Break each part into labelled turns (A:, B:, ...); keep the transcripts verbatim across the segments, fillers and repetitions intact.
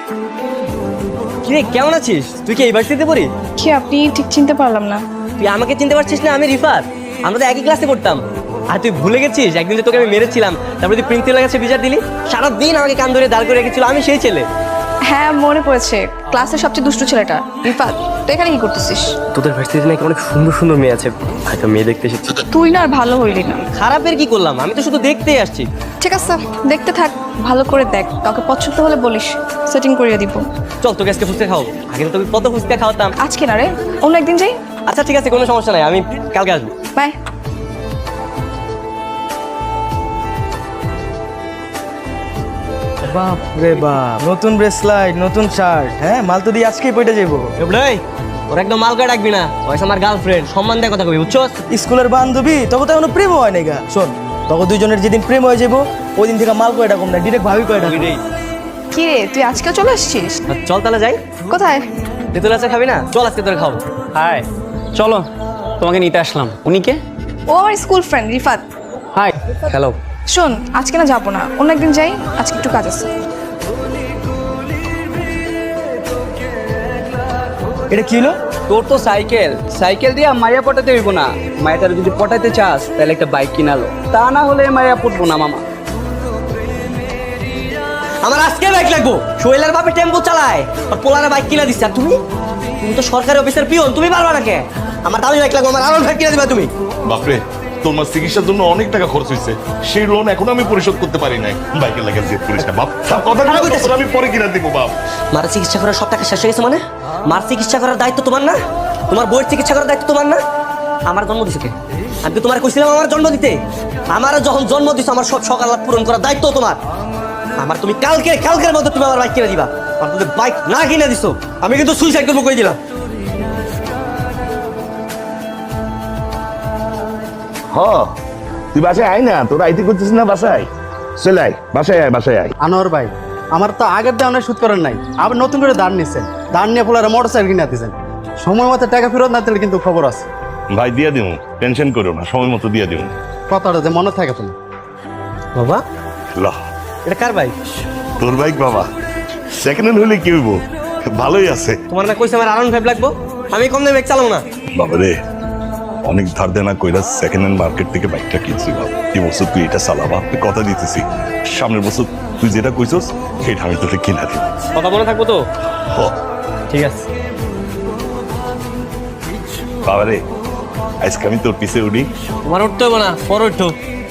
A: কিরে কেমন আছিস? তুই কি এই ভার্সিটিতে পড়ি?
B: কি আপনি ঠিক চিনতে পারলাম না।
A: তুই আমাকে চিনতে পারছিস না? আমি রিফাত, আমরা তো একই ক্লাসে পড়তাম। আর তুই ভুলে গেছিস একদিন যে তোকে আমি মেরেছিলাম, তারপরে তুই প্রিন্সিপালের কাছে বিচার দিলি, সারাদিন আমাকে কান ধরে দাঁড় করে রেখেছিল, আমি সেই ছেলে।
B: হ্যাঁ মনে পড়েছে, ক্লাসের সবচেয়ে দুষ্টু ছেলেটা রিফাত। তুই এখানে কি করতেছিস?
A: তোদের ভার্সিটিতে নাকি অনেক সুন্দর সুন্দর মেয়ে আছে, হয়তো মেয়ে দেখতে এসেছি।
B: তুই না আর ভালো হইলি না।
A: খারাপের কি করলাম? আমি তো শুধু দেখতেই আসছি।
B: ঠিক আছে দেখতে থাক, ভালো করে দেখ, কাউকে পছন্দ হলে বলিস, সেটিং করিয়ে দিব।
A: চল তোকে আজকে ফুচকা খাও, আগে তো তোকে কত ফুচকা খাওয়াতাম।
B: আজকে না রে, অন্য একদিন যাই।
A: আচ্ছা ঠিক আছে, কোনো সমস্যা নাই, আমি কালকে আসবো।
B: বাই।
C: বাপ রে বাপ, নতুন ব্রেসলাইট, নতুন শার্ট, হ্যাঁ মাল তো দিয়ে আজকেই পয়টা যাবো।
A: এই ওর একদম মালকা ডাকবি না, ওইসব আমার গার্লফ্রেন্ড, সম্মান দিয়ে কথা কবি, বুঝছস?
C: স্কুলের বান্ধবী, তবে তো এখনো প্রেম হয় নাই গা। শোন, তখন দুইজনের যেদিন প্রেম হয়ে যাবো ওই দিন থেকে মাল কয়টা কম না, ডিরেক্ট ভাবি কয়টা।
B: কি রে তুই আজকে চলে আসছিস?
A: চল তাহলে যাই।
B: কোথায়?
A: তেঁতুল আচার খাবি না? চল আজকে তোর খাবো।
D: হাই, চলো তোমাকে নিতে আসলাম। উনি কে?
B: ও আমার school friend Rifat.
D: Hi. Hello.
B: শোন আজকে না যাবো না, অন্য একদিন যাই, আজকে একটু কাজ আছে।
C: এটা কি হলো?
D: তোর তো সাইকেল, সাইকেল দিয়ে মায়া পটাতে হইব না। মায়াটার যদি পটাইতে চাস তাহলে একটা বাইক কিনালো, তা না হলে মায়া পটবো না মামা।
A: আমার আজকে বাইক লাগবো। সোহেলের বাপে টেম্পো চালায় আর পোলারে বাইক কিনা দিচ্ছে, আর তুমি তুমি তো সরকারি অফিসার পিয়ন, তুমি পারবা না কে? আমার দামি বাইক লাগবো, আমার আরো বাইক কিনা দিবা তুমি।
E: বাপরে, তোমার চিকিৎসার জন্য অনেক টাকা খরচ হয়েছে, সেই লোন এখনো আমি পরিশোধ করতে পারি নাই। বাইকের লাগে জেদ করিস না বাপ, সব কথা আমি পরে কিনা দিব বাপ।
A: মার চিকিৎসা করার সব টাকা শেষ হয়ে গেছে মানে? মার চিকিৎসা করার দায়িত্ব তোমার না? তোমার বইয়ের চিকিৎসা করার দায়িত্ব তোমার না? আমার জন্ম দিছে কে? আমি তো তোমার কইছিলাম আমার জন্ম দিতে। আমার যখন জন্ম দিছো আমার সব সকাল পূরণ করার দায়িত্ব তোমার। আমার তুমি কালকে কালকের মধ্যে তুমি আমার বাইক কিনে দিবা। আর তুমি বাইক না কিনে দিছো আমি কিন্তু সুইসাইড করবো কই দিলাম।
E: হ, তুই বাসায় আয় না, তোর আইতে করছিস না বাসায়? চলে আয় বাসায়, আয় বাসায় আয়।
D: আনোয়ার ভাই, আমার তো আগের দেওয়ার সুদ করেন নাই, আবার নতুন করে দাঁড় নিচ্ছেন। দাঁড় নিয়ে পোলারে মোটর সাইকেল কিনে দিচ্ছেন। সময় মতো টাকা ফেরত না দিলে কিন্তু খবর আছে।
E: ভাই দিয়া দিও, টেনশন করো না, সময় মতো দিয়া দিও।
D: কথাটা যে মনে থাকে তো।
A: বাবা
E: ল,
A: এটা কার বাইক?
E: তোর বাইক বাবা, সেকেন্ড হ্যান্ড হলে কি হইব, ভালোই আছে।
A: তোমার না কইছে আমার আরাউন্ড ফাইভ লাগবো, আমি কম দামে বাইক চালাবো না।
E: বাবা রে, অনেক ধার দেনা কইরা সেকেন্ড হ্যান্ড মার্কেট থেকে বাইকটা কিনছি বাবা। এই বছর তুই এটা চালাবা, আমি কথা দিতেছি। সামনের বছর তুই যেটা কইছস সেটা আমি তোকে কিনা দিব।
A: কথা মনে থাকবো তো?
E: হ,
A: ঠিক আছে।
E: বাবা রে, আজকে আমি তোর পিছে উঠি।
A: তোমার উঠতে হবে না, পর উঠো।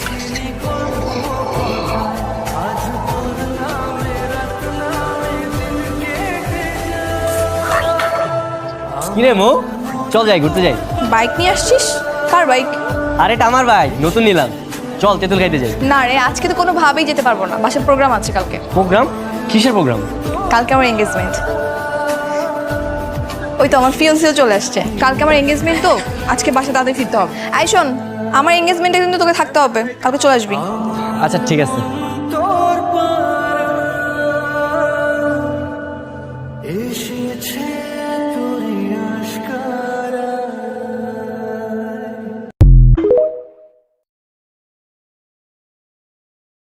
A: কিরে মো, চল যাই ঘুরতে যাই।
B: বাইক নিয়ে আসছিস? কার বাইক?
A: আরে এটা আমার বাইক, নতুন নিলাম। চল তেঁতুল খাইতে যাই।
B: না রে আজকে তো কোনোভাবেই যেতে পারবো না, বাসার প্রোগ্রাম আছে কালকে।
A: প্রোগ্রাম? কিসের প্রোগ্রাম?
B: কালকে আমার এঙ্গেজমেন্ট। ওই তো আমার ফিয়ন্সিও চলে আসছে। কালকে আমার এঙ্গেজমেন্ট, তো আজকে বাসা তাদের ফিরতে হবে। আই শোন, আমার এঙ্গেজমেন্টে কিন্তু তোকে থাকতে হবে, কালকে চলে আসবি।
A: আচ্ছা ঠিক আছে।
F: এসেছে